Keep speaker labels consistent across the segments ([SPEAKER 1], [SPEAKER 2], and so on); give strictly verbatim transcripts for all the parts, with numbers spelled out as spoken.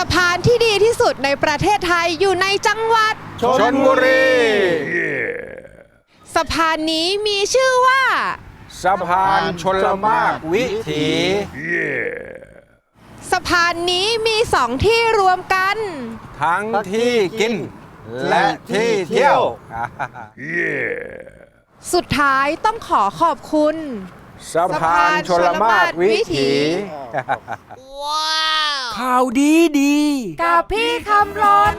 [SPEAKER 1] ะพานที่ดีที่สุดในประเทศไทยอยู่ในจังหวัด
[SPEAKER 2] ชลบุรี
[SPEAKER 1] สะพานนี้มีชื่อว่า
[SPEAKER 2] สะพานชลมากวิถี
[SPEAKER 1] สะพานนี้มีสองที่รวมกัน
[SPEAKER 2] ทั้งที่กินและที่เที่ยว
[SPEAKER 1] สุดท้ายต้องขอขอบคุณ
[SPEAKER 2] สะพานชลมากวิถี
[SPEAKER 3] ข่าวดีดี
[SPEAKER 1] กับพี่คำรน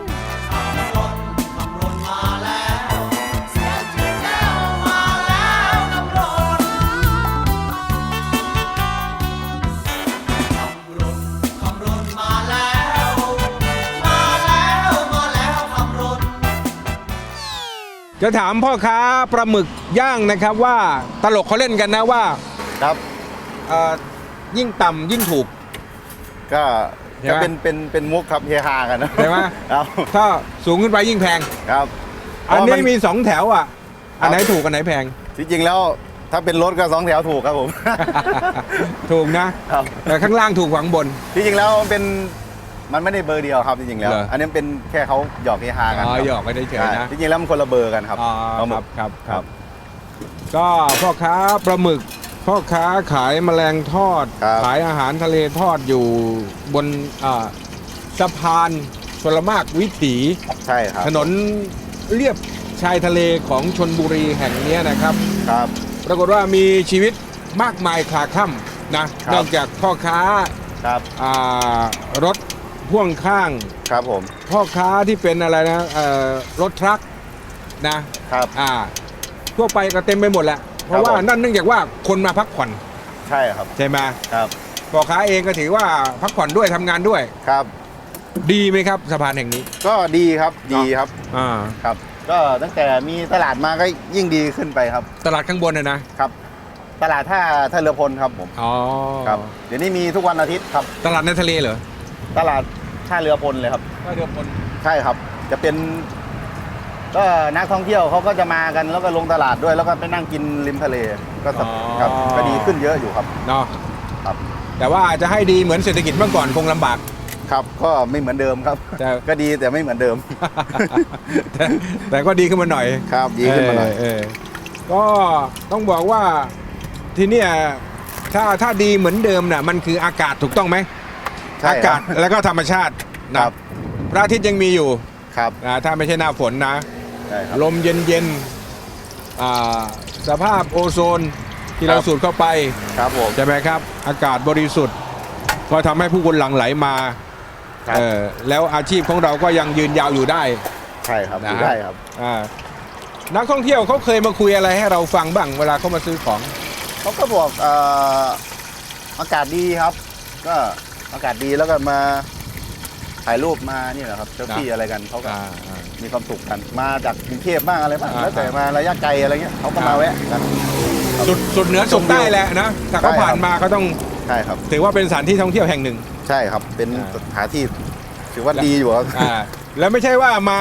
[SPEAKER 2] จะถามพ่อค้าปลาหมึกย่างนะครับว่าตลกเขาเล่นกันนะว่า
[SPEAKER 4] ครับ
[SPEAKER 2] เอ่อยิ่งต่ำยิ่งถูก
[SPEAKER 4] ก็
[SPEAKER 2] ใช่ไหม
[SPEAKER 4] ก็เป็นเป็นเป็นมุกครับเฮฮากันนะ
[SPEAKER 2] ใช่ไหม
[SPEAKER 4] ครับ
[SPEAKER 2] ถ้าสูงขึ้นไปยิ่งแพง
[SPEAKER 4] ครับ
[SPEAKER 2] อันนี้
[SPEAKER 4] เพราะมัน
[SPEAKER 2] มีสองแถวอ่ะ อันไหนถูกอันไหนแพง
[SPEAKER 4] จริงๆแล้วถ้าเป็นรถก็สองแถวถูกครับผม
[SPEAKER 2] ถูกนะ
[SPEAKER 4] ครับ
[SPEAKER 2] แต่ข้างล่างถูกกว่าข้างบน
[SPEAKER 4] จริงๆแล้วมันเป็นมันไม่ได้เบอร์เดียวครับจริงๆแล้ว
[SPEAKER 2] เหรออั
[SPEAKER 4] อันนี้เป็นแค่เขาหยอกเฮฮากัน
[SPEAKER 2] อ๋อ
[SPEAKER 4] ครับ
[SPEAKER 2] หยอกกันเฉยๆนะ
[SPEAKER 4] จริงๆแล้วมันคนละเบอร์กันครับ
[SPEAKER 2] อ๋อ
[SPEAKER 4] ปลาห
[SPEAKER 2] ค
[SPEAKER 4] มึ
[SPEAKER 2] รั
[SPEAKER 4] ก
[SPEAKER 2] บครับ
[SPEAKER 4] ครับ
[SPEAKER 2] ก็พ่อค้าปลาหมึก พ่อค้าขายแมลงทอด
[SPEAKER 4] ครับ
[SPEAKER 2] ขายอาหารทะเลทอดอยู่บนอ่าสะพานชลมากวิถี
[SPEAKER 4] ใช่ครับ
[SPEAKER 2] ถนนเลียบชายทะเลของชลบุรีแห่งนี้นะครับ
[SPEAKER 4] ครับ
[SPEAKER 2] ปรากฏว่ามีชีวิตมากมายคลาคล่ำนะครับ นอกจากพ่อค้า
[SPEAKER 4] ครับ
[SPEAKER 2] อ่ารถพ่วงข้าง
[SPEAKER 4] ครับผม
[SPEAKER 2] พ่อค้าที่เป็นอะไรนะเอ่อรถทรัคนะครับ อ่าทั่วไปก็เต็มไปหมดแหละเพราะว่า
[SPEAKER 4] ผม
[SPEAKER 2] นั่นเนื่องจากว่าคนมาพักผ่อน
[SPEAKER 4] ใช่ครับ
[SPEAKER 2] ใช่ไหม
[SPEAKER 4] ครับ
[SPEAKER 2] พ่อค้าเองก็ถือว่าพักผ่อนด้วยทำงานด้วย
[SPEAKER 4] ครับ
[SPEAKER 2] ดีไหมครับสะพานแห่งนี้
[SPEAKER 4] ก็ดีครับดีครับ
[SPEAKER 2] อ่า
[SPEAKER 4] ครับ ก็ตั้งแต่มีตลาดมาก็ยิ่งดีขึ้นไปครับ
[SPEAKER 2] ตลาดข้างบนนะนะครับ
[SPEAKER 4] ตลาดท่าท่าเรือพลครับผม
[SPEAKER 2] อ๋อ
[SPEAKER 4] ครับเดี๋ยวนี้มีทุกวันอาทิตย์ครับ
[SPEAKER 2] ตลาดในทะเลเหรอ
[SPEAKER 4] ตลาดท่าเรือพลเลยครับ
[SPEAKER 2] ก็เดือพล
[SPEAKER 4] ใช่ครับ จะเป็นก็นักท่องเที่ยวเขาก็จะมากันแล้วก็ลงตลาดด้วยแล้วก็ไปนั่งกินริมทะเลก็สบครับก็ดีขึ้นเยอะอยู่ครับ
[SPEAKER 2] เนาะ
[SPEAKER 4] ครับ
[SPEAKER 2] แต่ว่าจะให้ดีเหมือนเศรษฐกิจเมื่อก่อนคงลำบาก
[SPEAKER 4] ครับ ก็ไม่เหมือนเดิมครับ
[SPEAKER 2] แต่
[SPEAKER 4] ก็ดีแต่ไม่เหมือนเดิม
[SPEAKER 2] แต่แต่ก็ดีขึ้นมาหน่อย
[SPEAKER 4] ครับดีขึ้นมาหน่อย
[SPEAKER 2] เเอก็ต้องบอกว่าที่เนี่ยถ้าถ้าดีเหมือนเดิมน่ะมันคืออากาศถูกต้องไหม
[SPEAKER 4] ใช่
[SPEAKER 2] อา
[SPEAKER 4] ค
[SPEAKER 2] กา
[SPEAKER 4] รั
[SPEAKER 2] ศ
[SPEAKER 4] บ
[SPEAKER 2] แล้วก็ธรรมชาตินะครับ พระอาทิตย์ยังมีอยู่
[SPEAKER 4] ครับ
[SPEAKER 2] นะถ้าไม่ใช่หน้าฝนนะ
[SPEAKER 4] ใช่ครับ
[SPEAKER 2] ลมเย็นๆอ่าสภาพโอโซนที่เรา
[SPEAKER 4] ครับ
[SPEAKER 2] สูดเข้าไป
[SPEAKER 4] ครับผม
[SPEAKER 2] ใช่ไหมครับ อากาศบริสุทธิ์ก็ทำให้ผู้คนหลั่งไหลมา
[SPEAKER 4] ครับ
[SPEAKER 2] เออแล้วอาชีพของเราก็ยังยืนยาวอยู่ได้
[SPEAKER 4] ใช่ครับ
[SPEAKER 2] นะ
[SPEAKER 4] อยู่ได้ครับ
[SPEAKER 2] อ่านักท่องเที่ยวเขาเคยมาคุยอะไรให้เราฟังบ้างเวลาเขามาซื้อของ
[SPEAKER 4] เขาก็บอกเอ่ออากาศดีครับ ก็อากาศดีแล้วก็มาถ่ายรูปมานี่แหละครับเซลฟี่
[SPEAKER 2] นะ
[SPEAKER 4] อะไรกันเขาก็
[SPEAKER 2] อ่าอ่า
[SPEAKER 4] มีความสุขกันมาจากกรุงเทพบ้างอะไรบ้าง
[SPEAKER 2] อ่า
[SPEAKER 4] แล้วแต่มาระยะไกลอะไรเงี้ยเขาก็มาแวะกัน
[SPEAKER 2] สุดสุดเหนือสุดใต้แหละนะถ้าเขา
[SPEAKER 4] ใช่ครับ
[SPEAKER 2] ผ่านมาก็ต้อง
[SPEAKER 4] ใช่ครับ
[SPEAKER 2] ถือว่าเป็นสถานที่ท่องเที่ยวแห่งหนึ่ง
[SPEAKER 4] ใช่ครับเป็น
[SPEAKER 2] อ่า
[SPEAKER 4] สถานที่ถือว่าดีอยู่ครับ
[SPEAKER 2] อ่าแล้วไม่ใช่ว่ามา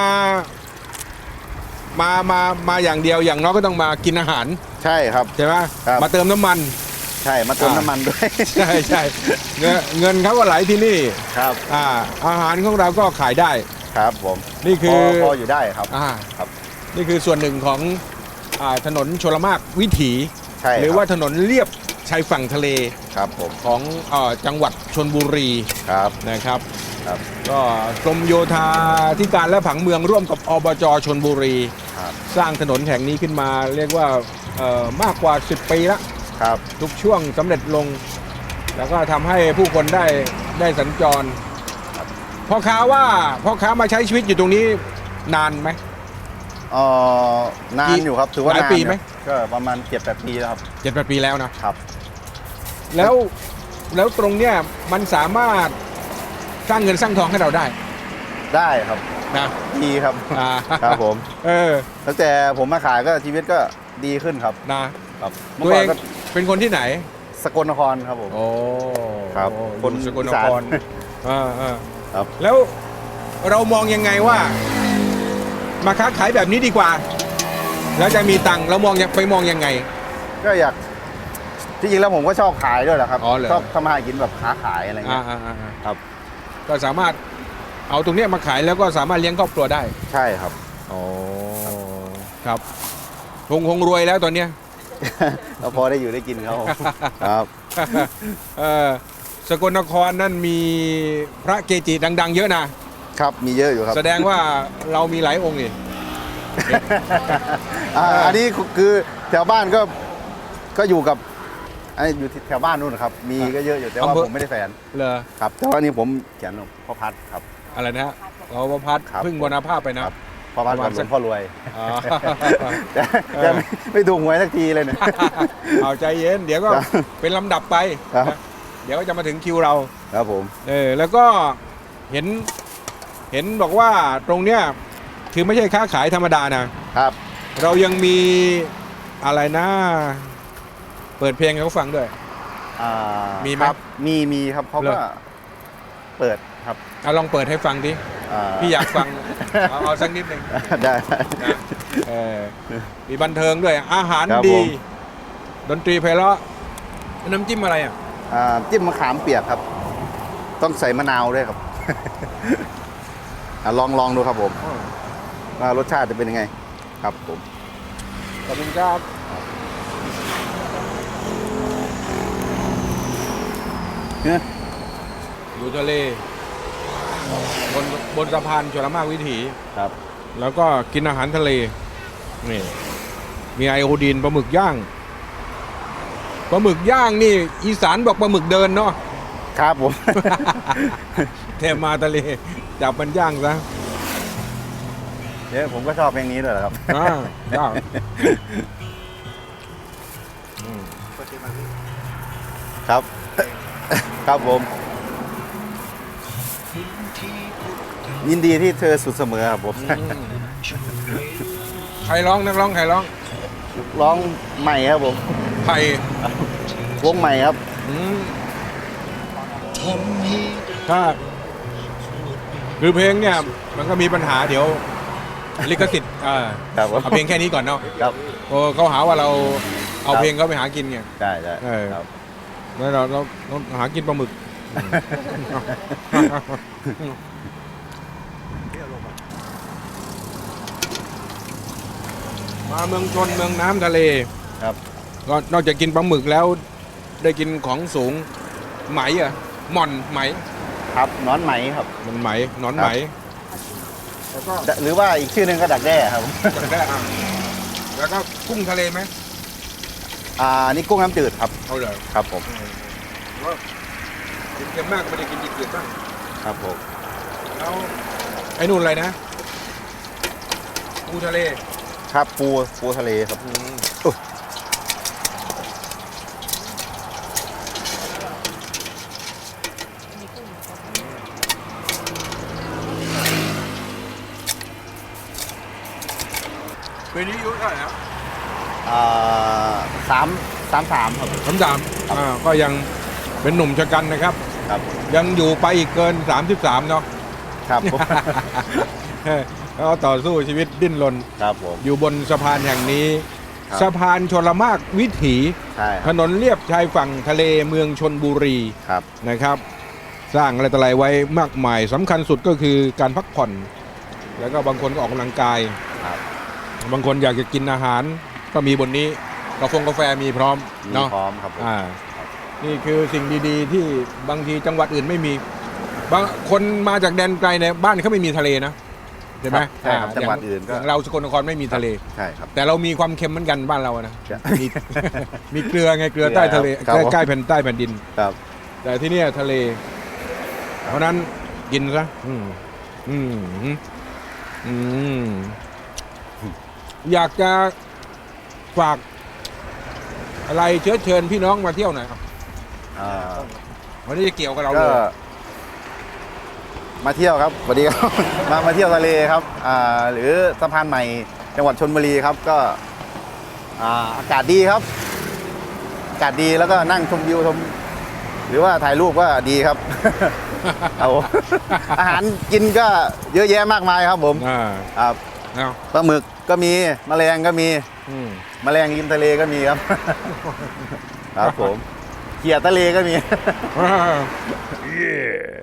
[SPEAKER 2] มามามาอย่างเดียวอย่างน้อยก็ต้องมากินอาหาร
[SPEAKER 4] ใช่ครับ
[SPEAKER 2] ใช่ไหม
[SPEAKER 4] ครับ
[SPEAKER 2] มาเติมน้ำมัน
[SPEAKER 4] ใช่มาเติม
[SPEAKER 2] อ่า
[SPEAKER 4] น้ำมันด้วย
[SPEAKER 2] ใช่ใช่เงินเงินเขาก็ไหลที่นี่
[SPEAKER 4] ครับ
[SPEAKER 2] อ่าอาหารของเราก็ขายได้
[SPEAKER 4] ครับผม
[SPEAKER 2] นี่คือ
[SPEAKER 4] พพออยู่ได้ครับ
[SPEAKER 2] อ่า
[SPEAKER 4] ครับ
[SPEAKER 2] นี่คือส่วนหนึ่งของอ่าถนนชลมากวิถี
[SPEAKER 4] ใช่
[SPEAKER 2] หรือว่าถนนเลียบชายฝั่งทะเล
[SPEAKER 4] ครับผม
[SPEAKER 2] ของเออจังหวัดชลบุรี
[SPEAKER 4] ครับ
[SPEAKER 2] นะครับ
[SPEAKER 4] ครับ
[SPEAKER 2] ก็กรมโยธาธิการและผังเมืองร่วมกับอบจชลบุรี
[SPEAKER 4] ครับ
[SPEAKER 2] สร้างถนนแห่งนี้ขึ้นมาเรียกว่าเอ่อมากกว่าสิบปีแล้ว
[SPEAKER 4] ครับ
[SPEAKER 2] ทุกช่วงสำเร็จลง แล้วก็ทำให้ผู้คนได้ได้สัญจรพ่อค้าว่าพ่อค้ามาใช้ชีวิตอยู่ตรงนี้นานไหม
[SPEAKER 4] เอ่อนานอยู่ครับถือว่า
[SPEAKER 2] หลาย
[SPEAKER 4] นาน
[SPEAKER 2] ปีไหม
[SPEAKER 4] ก็ประมาณเจ็ดแปดปีแล้วครับ
[SPEAKER 2] เจ็ดแปดปีแล้วนะครับ แล้วแล้วตรงเนี้ยมันสามารถสร้างเงินสร้างทองให้เราได้
[SPEAKER 4] ได้ครับ
[SPEAKER 2] นะ
[SPEAKER 4] ดีครับ
[SPEAKER 2] อ่า
[SPEAKER 4] ครับผม
[SPEAKER 2] เออ
[SPEAKER 4] ตั้งแต่ผมมาขายก็ชีวิตก็ดีขึ้นครับ
[SPEAKER 2] นะครับ
[SPEAKER 4] เมื่
[SPEAKER 2] ตัว
[SPEAKER 4] อก่
[SPEAKER 2] เอ
[SPEAKER 4] อน
[SPEAKER 2] ง
[SPEAKER 4] ก็
[SPEAKER 2] เป็นคนที่ไหน
[SPEAKER 4] สกลนครครับผม
[SPEAKER 2] โอ้
[SPEAKER 4] ครับ
[SPEAKER 2] ค
[SPEAKER 4] คน
[SPEAKER 2] นสกลน
[SPEAKER 4] อีสาน
[SPEAKER 2] ครอ่าอ่า
[SPEAKER 4] ครับ
[SPEAKER 2] แล้วเรามองยังไงว่า มาค้าขายแบบนี้ดีกว่า แล้วจะมีตังค์เรามองยังไปมองยังไง
[SPEAKER 4] ก็อยากที่จริงแล้วผมก็ชอบขายด้วยแหละครับ
[SPEAKER 2] อ๋อเหรอ
[SPEAKER 4] ชอบทำมาหากินแบบค้าขายอะไร
[SPEAKER 2] อ่า
[SPEAKER 4] เงี้ย
[SPEAKER 2] อ่าอ่า
[SPEAKER 4] ครับ
[SPEAKER 2] ก็สามารถเอาตรงเนี้ยมาขายแล้วก็สามารถเลี้ยงครอบครัวได้
[SPEAKER 4] ใช่ครับ
[SPEAKER 2] อ๋อครับคงคงรวยแล้วตอนเนี้ย
[SPEAKER 4] ก็พอได้อยู่ได้กินเขาครับ
[SPEAKER 2] เออสกลนครนั่นมีพระเกจิดัง ๆ เยอะนะครับ
[SPEAKER 4] มีเยอะอยู่ครับ
[SPEAKER 2] แสดงว่าเรามีหลายองค์นี่
[SPEAKER 4] อ่าอันนี้คือแถวบ้านก็ก็อยู่กับอันนี้อยู่ที่แถวบ้านนู่นนะครับ มีก็เยอะอยู่แต่ว่า
[SPEAKER 2] อำเภอ
[SPEAKER 4] ผมไม่ได้แฟน
[SPEAKER 2] เหรอ
[SPEAKER 4] ครับแต่ว่านี่ผมเขียนพ่อพัดครับ
[SPEAKER 2] อะไรนะฮะเราประพัด
[SPEAKER 4] ครับ
[SPEAKER 2] พึ่งบรรณภาพไปนะครับ
[SPEAKER 4] พ่อพัด
[SPEAKER 2] ประ
[SPEAKER 4] กั
[SPEAKER 2] มา
[SPEAKER 4] บ
[SPEAKER 2] ณ
[SPEAKER 4] หล
[SPEAKER 2] สั
[SPEAKER 4] ว
[SPEAKER 2] ก
[SPEAKER 4] งพ่อรวย
[SPEAKER 2] อ๋อ
[SPEAKER 4] แต่แต่ไม่ไม่ถูกหวยสักทีเลยเนี่ย
[SPEAKER 2] เอาใจเย็น เดี๋ยวก็
[SPEAKER 4] ครับ
[SPEAKER 2] เป็นลำดับไป
[SPEAKER 4] ครับ
[SPEAKER 2] นะเดี๋ยวก็จะมาถึงคิวเรา
[SPEAKER 4] ครับผม
[SPEAKER 2] เออแล้วก็เห็นเห็นบอกว่าตรงเนี้ยคือไม่ใช่ค้าขายธรรมดานะ
[SPEAKER 4] ครับ
[SPEAKER 2] เรายังมีอะไรนะ เปิดเพลงให้เขาฟังด้วย
[SPEAKER 4] อ่า
[SPEAKER 2] มีไหม
[SPEAKER 4] ครับมีมีครับเขา
[SPEAKER 2] เหร
[SPEAKER 4] ก็
[SPEAKER 2] อ
[SPEAKER 4] เปิดครับ
[SPEAKER 2] เอาลองเปิดให้ฟังดิ
[SPEAKER 4] อ่า
[SPEAKER 2] พี่อยากฟัง เอาเอาสักนิดหนึ่ง
[SPEAKER 4] ได้
[SPEAKER 2] นะเออมีบันเทิงด้วย อาหาร
[SPEAKER 4] ครับ
[SPEAKER 2] ดี
[SPEAKER 4] ผม
[SPEAKER 2] ดนตรีไพเราะน้ำจิ้มอะไรอ่ะ
[SPEAKER 4] อ่าจิ้มมะขามเปียกครับ ต้องใส่มะนาวด้วยครับ อ่ะลองลองดูครับผมว่ารสชาติจะเป็นยังไง ครับผม
[SPEAKER 2] ขอบคุณครับ
[SPEAKER 4] เนี่ย
[SPEAKER 2] อยู่ทะเลบนบนสะพานชลมากวิถี
[SPEAKER 4] ครับ
[SPEAKER 2] แล้วก็กินอาหารทะเล นี่ มีไอโอดีนปลาหมึกย่าง ปลาหมึกย่างนี่ อีสานบอกปลาหมึกเดินเนาะ
[SPEAKER 4] ครับผม
[SPEAKER 2] แทมาทะเล จับมันย่างซะ
[SPEAKER 4] เนี่ยผมก็ชอบเพลงนี้ด้วยแหละครับ
[SPEAKER 2] อ่าย่างอืม
[SPEAKER 4] ครับ ครับผม ยินดีที่เธอสุดเสมอครับผม
[SPEAKER 2] ใครร้องนักร้องใครร้อง
[SPEAKER 4] ร้องใหม่ครับผม
[SPEAKER 2] ไผ่
[SPEAKER 4] วงใหม่ครับ
[SPEAKER 2] อืมถ้าคือเพลงเนี่ย มันก็มีปัญหาเดี๋ยว ลิขสิทธิ์อ่า
[SPEAKER 4] ครับผม
[SPEAKER 2] เอาเพลงแค่นี้ก่อนเนาะ
[SPEAKER 4] ครับ
[SPEAKER 2] โอ้เขาหาว่าเราเอา
[SPEAKER 4] ครับ
[SPEAKER 2] เพลงเขาไปหากินไง
[SPEAKER 4] ใช่ใช่
[SPEAKER 2] เออ
[SPEAKER 4] ครับ
[SPEAKER 2] แล้วเราเราเราหากินปลาหมึก มาเมืองชนเมืองน้ำทะเล
[SPEAKER 4] ครับ
[SPEAKER 2] ก็นอกจากกินปลาหมึกแล้วได้กินของสูงไหมอ่ะหม่อนไหม
[SPEAKER 4] ครับหนอนไหมครับ
[SPEAKER 2] มันไหมหนอนไหม แล้วก็
[SPEAKER 4] หรือว่าอีกชื่อหนึ่งก็ดักแด้ครับ
[SPEAKER 2] มันได้อ่ะแล้วก็กุ้งทะเลไหม
[SPEAKER 4] อ่านี่กุ้งน้ำจืดครับ
[SPEAKER 2] เอาเลย
[SPEAKER 4] ครับผม
[SPEAKER 2] ว่ากินเค็มมากไม่ได้กินจืดๆบ้าง
[SPEAKER 4] ครับผม
[SPEAKER 2] แล้วไอ้นู่นอะไรนะปูทะเล
[SPEAKER 4] ครับปูปูทะเลครับ
[SPEAKER 2] อืม
[SPEAKER 4] อุ๊ย
[SPEAKER 2] ปีนี้อายุเท่าไหร่ครับ
[SPEAKER 4] อ่าสามสามสามครับ
[SPEAKER 2] สามสามอ่าก็ยังเป็นหนุ่มชะกันนะครับ
[SPEAKER 4] ครับ
[SPEAKER 2] ยังอยู่ไปอีกเกินสามสิบสามเนาะ
[SPEAKER 4] ครับผม
[SPEAKER 2] แล้วก็ต่อสู้ชีวิตดิ้นรน
[SPEAKER 4] ครับผม
[SPEAKER 2] อยู่บนสะพานแห่งนี้
[SPEAKER 4] ครับ
[SPEAKER 2] สะพานชลมากวิถี
[SPEAKER 4] ใช่ค
[SPEAKER 2] ถ
[SPEAKER 4] รับ
[SPEAKER 2] นนเลียบชายฝั่งทะเลเมืองชนบุรี
[SPEAKER 4] ครับ
[SPEAKER 2] นะครับ สร้างอะไรต่ออะไรไว้มากมายสำคัญสุดก็คือการพักผ่อน แล้วก็บางคนก็ออกกำลังกาย
[SPEAKER 4] ครับ
[SPEAKER 2] บางคนอยากจะกินอาหาร ก็มีบนนี้กาแฟกาแฟมีพร้อม
[SPEAKER 4] มี
[SPEAKER 2] เนาะ
[SPEAKER 4] พร้อมครับผม
[SPEAKER 2] อ่านี่คือสิ่งดีๆ ที่บางทีจังหวัดอื่นไม่มี บางคนมาจากแดนไกลในยบ้านเขาไม่มีทะเลนะใช่ไหม
[SPEAKER 4] ใช่ครับ
[SPEAKER 2] า
[SPEAKER 4] จังหวัดอื่นก็
[SPEAKER 2] ย่างเราสกลนครไม่มีทะเล
[SPEAKER 4] ใช่ครับ
[SPEAKER 2] แต่เรามีความเค็มเหมือนกันบ้านเราอะนะ
[SPEAKER 4] ใช่
[SPEAKER 2] มี มีเกลือไงเกลือใต้ทะเล
[SPEAKER 4] ครับ
[SPEAKER 2] ใกล้ๆแผ่นใต้แผ่นดิน
[SPEAKER 4] ครับ
[SPEAKER 2] แต่ที่เนี่ยทะเล เพราะนั้นกินซะอืมอืมอืมอยากจะฝากอะไรเชื้อเชิญพี่น้องมาเที่ยวหน่อยครับ
[SPEAKER 4] อ่า
[SPEAKER 2] วันนี้จะเกี่ยวกับเรา
[SPEAKER 4] ก็
[SPEAKER 2] เลย
[SPEAKER 4] มาเที่ยวครับสวัสดีครับ มามาเที่ยวทะเลครับอ่าหรือสะพานใหม่จังหวัดชลบุรีครับก็อ่าอากาศดีครับ อากาศดีแล้วก็นั่งชมวิวชมหรือว่าถ่ายรูปก็ดีครับ เอา อาหารกินก็เยอะแยะมากมายครับผม
[SPEAKER 2] อ่า
[SPEAKER 4] ครับ
[SPEAKER 2] เอา
[SPEAKER 4] ปลาหมึกก็มีแมลงก็มี
[SPEAKER 2] อืม
[SPEAKER 4] แมลงริมทะเลก็มีครับ ครับผมเขียดทะเลก็มี
[SPEAKER 2] อ่า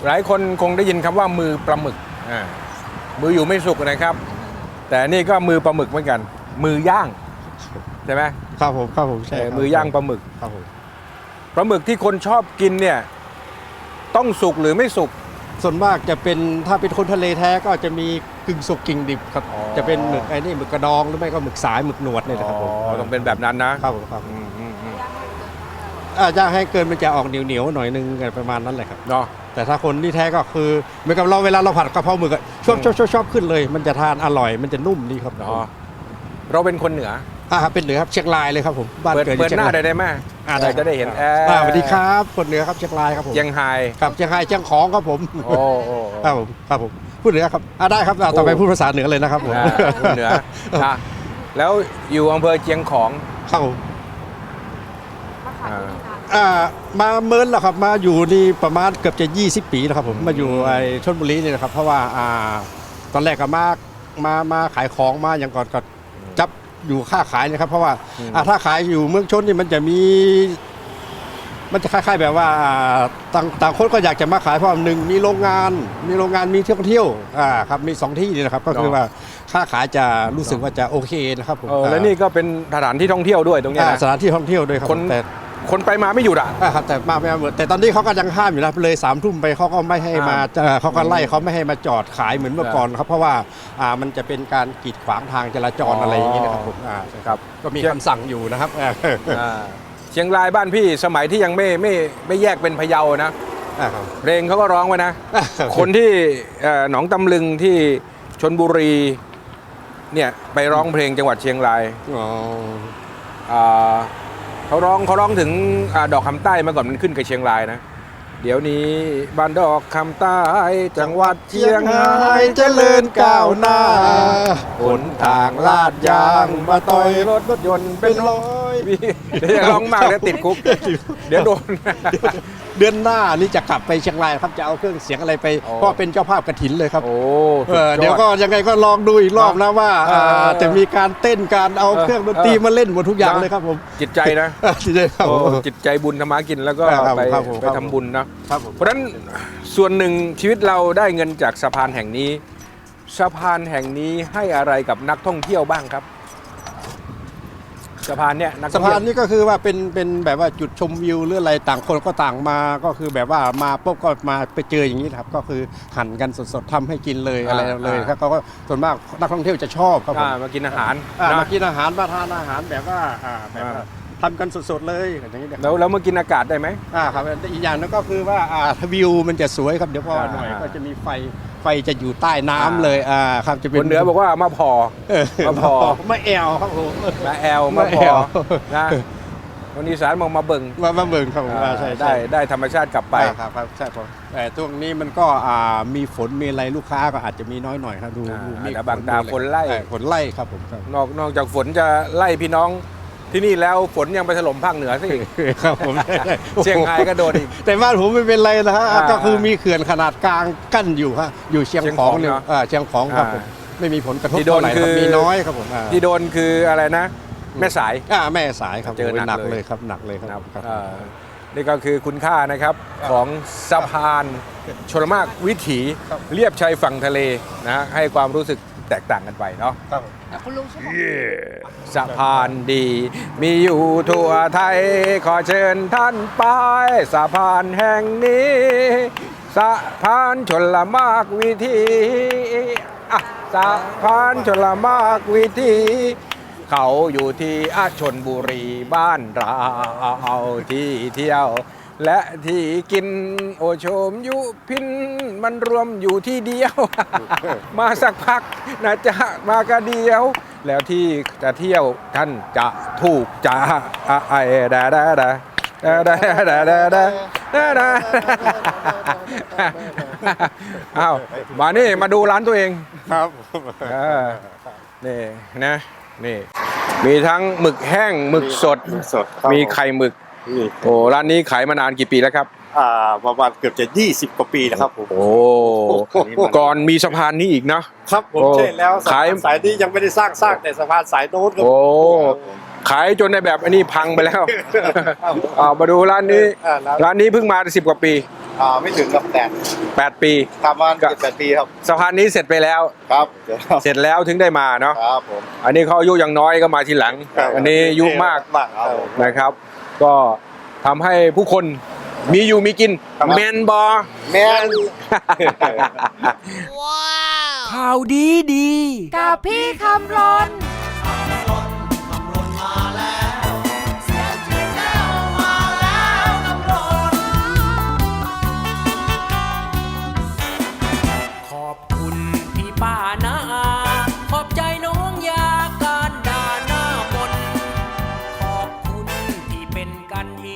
[SPEAKER 2] หลายคนคงได้ยินคำว่ามือปลาหมึกอ่ามืออยู่ไม่สุกนะครับ แต่นี่ก็มือปลาหมึกเหมือนกัน มือย่างใช่ไหม
[SPEAKER 3] ครับผมครับผมใช่
[SPEAKER 2] เออ
[SPEAKER 3] ครับ
[SPEAKER 2] มือย่างปลาหมึก
[SPEAKER 3] ครับผม
[SPEAKER 2] ปลาหมึกที่คนชอบกินเนี่ยต้องสุกหรือไม่สุก
[SPEAKER 3] ส่วนมากจะเป็นถ้าเป็นคนทะเลแท้ก็จะมีกึ่งสุกกึ่งดิบครับ
[SPEAKER 2] อ๋อ
[SPEAKER 3] จะเป็นหมึกไอ้นี่หมึกกระดองหรือไม่ก็หมึกสายหมึกหนวดนี่แหละครับผม
[SPEAKER 2] อ๋อต้องเป็นแบบนั้นนะครับ
[SPEAKER 3] ผมครับ
[SPEAKER 2] อืมอืมอืม
[SPEAKER 3] อ่าย่างให้เกินมันจะออกเหนียวเหนียวๆหน่อยนึงกันประมาณนั้นแหละครับ
[SPEAKER 2] เนาะ
[SPEAKER 3] แต่ถ้าคนที่แท้ก็คือเหมือนกับเราเวลาเราผัดกะเพราหมึกอะชอบ
[SPEAKER 2] อืม
[SPEAKER 3] ชอบชอบชอบขึ้นเลย มันจะทานอร่อยมันจะนุ่มดีครับ
[SPEAKER 2] เนาะเราเป็นคนเหนือ
[SPEAKER 3] อ่าครับเป็นเหนือครับเชียงรายเลยครับผมบ้าน
[SPEAKER 2] เปิด
[SPEAKER 3] เกิดอ
[SPEAKER 2] เปิ
[SPEAKER 3] ยู่
[SPEAKER 2] ด
[SPEAKER 3] เชียง
[SPEAKER 2] หน้าร
[SPEAKER 3] าย
[SPEAKER 2] ได้ได้ไหม
[SPEAKER 3] อ่าได้
[SPEAKER 2] จะได้เห็น
[SPEAKER 3] อ่าสวัสดีครับคนเหนือครับเชียงรายครับผม
[SPEAKER 2] เชียงไฮ้
[SPEAKER 3] ครับเชียงรายเชียงของครับผม
[SPEAKER 2] โอ้โอ้
[SPEAKER 3] ครับผมครับผมพูดเหนือครับอ่าได้ครับอ่าต่อไป
[SPEAKER 2] โอ้
[SPEAKER 3] พูดภาษาเหนือเลยนะครับผม
[SPEAKER 2] อ่าคนเหนือนะแล้วอยู่อำเภอเชียงของ
[SPEAKER 3] ครับผม
[SPEAKER 2] อ่า
[SPEAKER 3] อ่ามาเมินแล้วครับมาอยู่นี่ประมาณเกือบจะยี่สิบปีแล้วครับผมมาอยู่ไอ้ชลบุรีนี่นะครับเพราะว่าอ่าตอนแรกก็มามามาขายของมาอย่างก่อนก็จับอยู่ค่าขายนะครับเพราะว่า
[SPEAKER 2] อืม
[SPEAKER 3] อ่าถ้าขายอยู่เมืองชนนี่มันจะมี มันจะคล้ายๆแบบว่าอ่าต่างต่างคนก็อยากจะมาขายเพราะว่าหนึ่งมีโรงงาน มีโรงงานมีเที่ยวเที่ยวอ่าครับมีสองที่นี่นะครับก็คือว่าค่าขายจะรู้สึกว่าจะโอเคนะครับผม
[SPEAKER 2] เออแล้วนี่ก็เป็นสถานที่ท่องเที่ยวด้วยตรงเนี้ย
[SPEAKER 3] อ่า
[SPEAKER 2] นะ
[SPEAKER 3] สถานที่ท่องเที่ยวด้วยครับ
[SPEAKER 2] คน
[SPEAKER 3] แต่
[SPEAKER 2] คนไปมาไม่หยุดอ่ะ
[SPEAKER 3] อ่าครับแต่มาไม่มาแต่ตอนนี้เขาก็ยังห้ามอยู่นะเลยสามทุ่มไปเขาก็ไม่ให้มา
[SPEAKER 2] ห้าม
[SPEAKER 3] เอ่อเขาก็ไล่เขาไม่ให้มาจอดขายเหมือนเมื่อก่อนครับเพราะว่าอ่ามันจะเป็นการกีดขวางทางจราจร
[SPEAKER 2] อ๋ออ
[SPEAKER 3] อะไรอย่างนี้นะครับผมอ่า
[SPEAKER 2] ครับ
[SPEAKER 3] ก็มีคำสั่งอยู่นะครับอ่า
[SPEAKER 2] อ่าเชียงรายบ้านพี่สมัยที่ยังไม่ไม่ไม่แยกเป็นพะเยานะ
[SPEAKER 3] อ่าครับ
[SPEAKER 2] เพลงเขาก็ร้องไว้นะ คนที่เอ่อหนองตำลึงที่ชนบุรีเนี่ยไปร้องเพลงจังหวัดเชียงราย
[SPEAKER 3] อ๋อ
[SPEAKER 2] อ่าเขาร้องเขาร้องถึงอาดอกคำใต้เมื่อก่อนมันขึ้นกับเชียงรายนะ เดี๋ยวนี้บ้านดอกคำใต้จังหวัดเชียงราย
[SPEAKER 3] เจริญก้าวหน้า
[SPEAKER 2] หนทางลาดยางมาต่อยรถรถยนต์เป็นร้อย
[SPEAKER 3] อย
[SPEAKER 2] เดี๋ยวจะร้องมากแล้วติดคุก เดี๋ยวโดน
[SPEAKER 3] เดือนหน้านี่จะกลับไปเชียงรายครับจะเอาเครื่องเสียงอะไรไป
[SPEAKER 2] โอ้
[SPEAKER 3] เพราะเป็นเจ้าภาพกฐินเลยครับ
[SPEAKER 2] โอ้
[SPEAKER 3] เออเดี๋ยวก็ยังไงก็ลองดูอีกรอบนะว่า
[SPEAKER 2] เออ
[SPEAKER 3] อ่าจะมีการเต้นการเอา
[SPEAKER 2] เออ
[SPEAKER 3] เครื่องดนตรีมาเล่นหมดทุกอย่าง
[SPEAKER 2] นะ
[SPEAKER 3] เลยครับผม
[SPEAKER 2] จิตใจนะ
[SPEAKER 3] จริงๆครับ
[SPEAKER 2] โอ้
[SPEAKER 3] ผม
[SPEAKER 2] จิตใจบุญธรรมากินแล้วก็
[SPEAKER 3] ครับ
[SPEAKER 2] ไป
[SPEAKER 3] ครับผม
[SPEAKER 2] ไป
[SPEAKER 3] ครับ
[SPEAKER 2] ทำบุญนะ
[SPEAKER 3] ครับผม
[SPEAKER 2] เพราะฉะนั้นส่วนหนึ่งชีวิตเราได้เงินจากสะพานแห่งนี้สะพานแห่งนี้ให้อะไรกับนักท่องเที่ยวบ้างครับสะพานเนี่ยนักท่
[SPEAKER 3] สะ
[SPEAKER 2] องเที่
[SPEAKER 3] พา
[SPEAKER 2] ยว
[SPEAKER 3] นนี่ก็คือว่าเป็นเป็นแบบว่าจุดชมวิวหรืออะไรต่างคนก็ต่างมาก็คือแบบว่ามาปุ๊บก็มาไปเจออย่างนี้ครับก็คือหั่นกันสดๆทำให้กินเลยอะไรเลยครับเขาก็ส่วนมากนักท่องเที่ยวจะชอบครับผม
[SPEAKER 2] อ่ามากินอาหาร
[SPEAKER 3] อ่า
[SPEAKER 2] นะ
[SPEAKER 3] มากินอาหารมาทานอาหารแบบว่าอ่าแบบว่าทำกันสดๆเลยอย่างนี้นะครับ
[SPEAKER 2] แล้วแล้วมากินอากาศได้ไหม
[SPEAKER 3] อ่าครับอีกอย่างหนึงก็คือว่าอ่าวิวมันจะสวยครับเดี๋ยวพอหน่อย
[SPEAKER 2] อ่า
[SPEAKER 3] ก็จะมีไฟไฟจะอยู่ใต้น้ำเลยอ่าครับจะเป็
[SPEAKER 2] คน นเหนือบอกว่ามาพอ
[SPEAKER 3] เออ
[SPEAKER 2] มาพอ
[SPEAKER 3] มาแอวครับผม
[SPEAKER 2] มาแอล
[SPEAKER 3] มา
[SPEAKER 2] มา
[SPEAKER 3] แอ
[SPEAKER 2] พอ
[SPEAKER 3] ว
[SPEAKER 2] นะคนอีสานมองมาเบิ่ง
[SPEAKER 3] มามาเบิ่งครับผม
[SPEAKER 2] อ่า
[SPEAKER 3] อ่าใช่
[SPEAKER 2] ได้
[SPEAKER 3] ใช่
[SPEAKER 2] ได้ธรรมชาติกลับไป
[SPEAKER 3] อ่าครับครับใช่ผมแต่ช่วงนี้มันก็อ่ามีฝนมีอะไรลูกค้าก็อาจจะมีน้อยหน่อยครับดู
[SPEAKER 2] อ่า
[SPEAKER 3] ดูเมฆ
[SPEAKER 2] แต่บางตาฝนไล่
[SPEAKER 3] เออฝนไล่ครับผมครับ
[SPEAKER 2] นอกนอกจากฝนจะไล่พี่น้องที่นี่แล้วฝนยังไปถล่มภาคเหนือซะอีก
[SPEAKER 3] ครับผม
[SPEAKER 2] เชียงรายก็โดนอีก
[SPEAKER 3] แต่บ้านผมไม่เป็นไรนะฮะ
[SPEAKER 2] อ่า
[SPEAKER 3] ก็คือมีเขื่อนขนาดกลางกั้นอยู่ฮะอยู่เชียง
[SPEAKER 2] เชียง
[SPEAKER 3] ข
[SPEAKER 2] ข
[SPEAKER 3] อ
[SPEAKER 2] อง ง
[SPEAKER 3] เนี่ย
[SPEAKER 2] เนอะ
[SPEAKER 3] อ่าเชียงของครับ
[SPEAKER 2] อ่า
[SPEAKER 3] ผมไม่มีผลกระทบ
[SPEAKER 2] ที่โดน
[SPEAKER 3] เท่าไหร่ครับ
[SPEAKER 2] คือ
[SPEAKER 3] มีน้อยครับผมอ่า
[SPEAKER 2] ที่โดนคืออะไรนะ แม่สาย
[SPEAKER 3] อ่าแม่สายครับ
[SPEAKER 2] เจอหนัก
[SPEAKER 3] หนัก
[SPEAKER 2] เลย
[SPEAKER 3] เลยครับหนักเลยครับ
[SPEAKER 2] นะครับ
[SPEAKER 3] ครับ
[SPEAKER 2] เอ่อนี่ก็คือคุณค่านะครับของสะพานชลมากวิถีเรียบชายฝั่งทะเลนะฮะให้ความรู้สึกแตกต่างกันไปเนาะ
[SPEAKER 3] ครับ
[SPEAKER 2] สะพานดี มีอยู่ทั่วไทย ขอเชิญท่านไปสะพานแห่งนี้สะพานชลมากวิถีอ่ะสะพานชลมากวิถีเขาอยู่ที่อาชนบุรีบ้านเราที่เที่ยว และที่กินโอโชมยุพินมันรวมอยู่ที่เดียว มาสักพักนะจ๊ะมากระเดียว แล้วที่จะเที่ยวท่านจะถูกจ้าอ่ะไอ้ดาดาดาดาดาดาดาดาดาดาอ้าวมานี่มาดูร้านตัวเอง
[SPEAKER 3] ครับ
[SPEAKER 2] เออนี่นะนี่มีทั้งหมึกแห้งหมึกสด
[SPEAKER 5] สดครับ
[SPEAKER 2] มีไข่หมึก
[SPEAKER 5] นี่
[SPEAKER 2] โอ้ร้านนี้ขายมานานกี่ปีแล้วครับ
[SPEAKER 5] อ่าประมาณเกือบจะยี่สิบกว่าปีแล้วครับผม
[SPEAKER 2] โอ้ก่อนมีสะพานนี้อีกนะครับ
[SPEAKER 5] ผม
[SPEAKER 2] โอ้
[SPEAKER 5] ใช่แล้วสะ
[SPEAKER 2] ขาย
[SPEAKER 5] พานสายนี้ยังไม่ได้สร้างสร้างแต่สะพานสายโน้นครับ
[SPEAKER 2] โอ้
[SPEAKER 5] ครับผม
[SPEAKER 2] ขายจนในแบบอันนี้พังไปแล้ว เอามาดูร้านนี้
[SPEAKER 5] อ่าร้าน
[SPEAKER 2] ร้านนี้เพิ่งมาสิบกว่าปี
[SPEAKER 4] อ่าไม่ถึงกับแปด
[SPEAKER 2] แปดปี
[SPEAKER 4] ประมาณ
[SPEAKER 2] ก็
[SPEAKER 4] เจ็ดแปดปีครับ
[SPEAKER 2] สะพานนี้เสร็จไปแล้ว
[SPEAKER 4] ครับเดี๋ยวครับ
[SPEAKER 2] เสร็จแล้วถึงได้มาเนาะ
[SPEAKER 4] ครับผม
[SPEAKER 2] อันนี้เขาอายุยังน้อยก็มาทีหลัง อันนี้อายุมาก
[SPEAKER 4] มากครับผม
[SPEAKER 2] นะครับ ก็ทำให้ผู้คนมีอยู่มีกินแมนบอ
[SPEAKER 4] แม่น
[SPEAKER 1] ข่าวดีดีกับพี่คำรน